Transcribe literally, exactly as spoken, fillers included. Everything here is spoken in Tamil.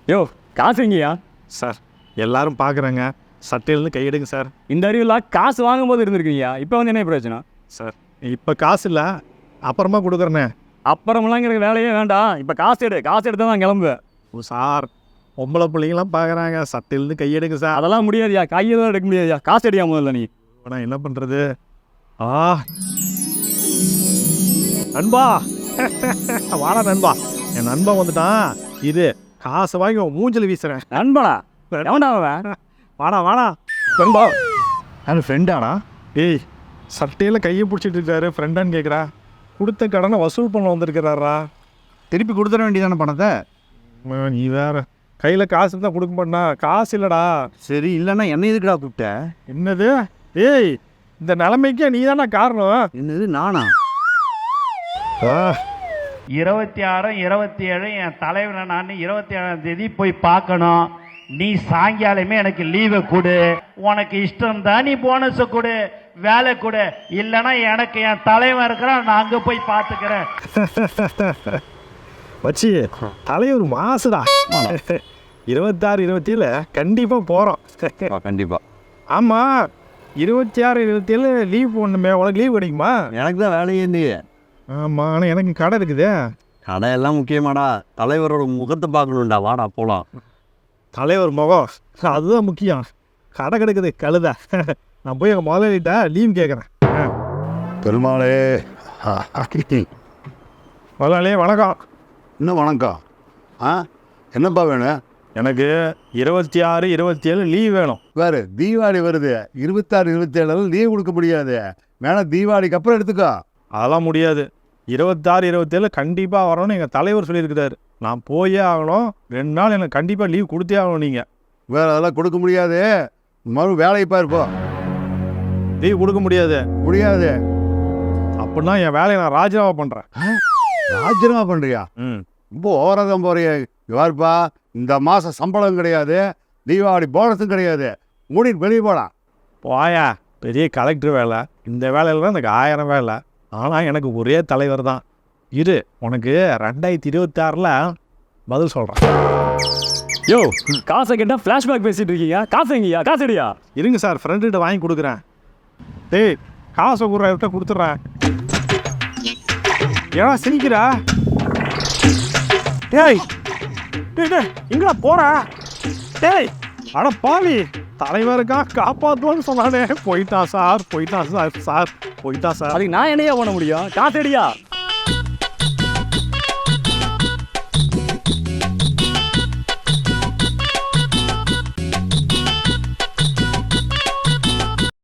யோ காசு எங்கேயா? சார் எல்லாரும் பார்க்குறாங்க, சட்டையிலேருந்து கையெடுங்க சார். இந்த அறிவுலாம் காசு வாங்கும்போது இருந்திருக்கீங்க, இப்போ வந்து என்ன பிரச்சனை? சார் இப்போ காசு இல்லை, அப்புறமா கொடுக்குறேண்ணே. அப்புறமெல்லாம் எனக்கு வேலையே வேண்டாம், இப்போ காசு எடு, காசு எடுத்து தான் கிளம்புவேன். ஓ சார், பொம்பளை பிள்ளைங்களாம் பார்க்குறாங்க, சட்டையிலேருந்து கையெடுங்க சார். அதெல்லாம் முடியாதுயா, கையெல்லாம் எடுக்க முடியாதுயா, காசு எடுக்க முதல்ல நீ. நான் என்ன பண்ணுறது? ஆ நண்பா வாடா நண்பா, என் நண்பன் வந்துட்டான். இது காசை வாங்கி உன் மூஞ்சில் வீசுகிறேன். நண்பனா? எவன்டா அவன்? வாடா வாடா நண்பா யார் ஃப்ரெண்டானா? ஏய், சட்டையில் கையை பிடிச்சிட்டு இருக்காரு, ஃப்ரெண்டான்னு கேட்குறா. கொடுத்த கடனை வசூல் பண்ண வந்திருக்கிறாரா? திருப்பி கொடுத்துட வேண்டியதானே பணத்தை? அம்மா, நீ வேற கையில் காசு தான் கொடுக்க மாட்டா. காசு இல்லைடா. சரி, இல்லைன்னா என்ன எதுக்குடா கூப்பிட்ட? என்னது? ஏய், இந்த நிலைமைக்கே நீ தானே காரணம். என்னது நானா? ஆ இருபத்தி ஆறு இருபத்தி ஏழு என் தலைவனை நான் இருபத்தி ஏழாம் தேதி போய் பார்க்கணும். நீ சாயங்காலமே எனக்கு லீவை கொடு. உனக்கு இஷ்டம் தான் நீ போனஸை கொடு, வேலை கொடு. இல்லைன்னா எனக்கு என் தலைவன் இருக்கிறான், நான் அங்கே போய் பார்த்துக்கிறேன். வச்சி தலைவர் மாசுடா. இருபத்தாறு இருபத்தி ஏழு கண்டிப்பாக போகிறோம். கண்டிப்பா. ஆமாம், இருபத்தி ஆறு இருபத்தி ஏழு லீவ் போடணுமே, உனக்கு லீவ் கிடைக்குமா? எனக்கு தான் வேலையே இல்லையே. ஆமாம், ஆனால் எனக்கு கடை இருக்குதே. கடை எல்லாம் முக்கியமாடா, தலைவரோட முகத்தை பார்க்கணும்டா. வாடா போகலாம். தலைவர் முகம் அதுதான் முக்கியம். கடை கிடக்குது கழுத. நான் போய் எங்கள் முதலாளிகிட்ட லீவ் கேட்குறேன். பெருமாளே, முதலாளியே வணக்கம். இன்னும் வணக்கம். ஆ என்னப்பா வேணும்? எனக்கு இருபத்தி ஆறு இருபத்தி ஏழு லீவ் வேணும். வேறு தீபாவளி வருது, இருபத்தாறு இருபத்தேழு லீவ் கொடுக்க முடியாது. வேணா தீபாவளிக்கு அப்புறம் எடுத்துக்கோ. அதெல்லாம் முடியாது. இருபத்தாறு இருபத்தேழு கண்டிப்பாக வரணும்னு எங்கள் தலைவர் சொல்லியிருக்கிறாரு. நான் போயே ஆகணும். ரெண்டு நாள் எனக்கு கண்டிப்பாக லீவ் கொடுத்தே ஆகணும். நீங்கள் வேறு அதெல்லாம் கொடுக்க முடியாது. மறு வேலையை பாருப்போ. லீவ் கொடுக்க முடியாது. முடியாது அப்படின்னா என் வேலையை நான் ராஜினாமா பண்ணுறேன். ராஜினாமா பண்ணுறியா? ம் ரொம்ப ஓரதான் போறிய. யாருப்பா, இந்த மாதம் சம்பளம் கிடையாது, தீபாவளி போனஸும் கிடையாது. மூடிட்டு வெளியே போகலாம். போயா, பெரிய கலெக்டர் வேலை. இந்த வேலையில் தான் எனக்கு ஆயிரம் வேலை. ஆனால் எனக்கு ஒரே தலைவர் தான். இரு, உனக்கு ரெண்டாயிரத்தி இருபத்தி ஆறில் பதில் சொல்கிறேன். யோ காசை கேட்டால் ஃப்ளாஷ்பேக் பேசிட்டு இருக்கீங்க, காசு எங்கேயா? காசு எடியா? இருங்க சார், ஃப்ரெண்டுகிட்ட வாங்கி கொடுக்குறேன். டேய், காசை கொடுறா, கொடுத்துட்றேன். ஏன்னா சிரிக்கிறா? டேய் டேய் டேய் எங்கடா போற? டேய் அட பாவி, தலைவருக்கா காப்பாற்றுவான்னு சொன்னானே. போயிட்டான் சார், போயிட்டான் சார் சார் போயிட்டான் சார். அதுக்கு நான் என்னையா பண்ண முடியும்? காசு எடியா?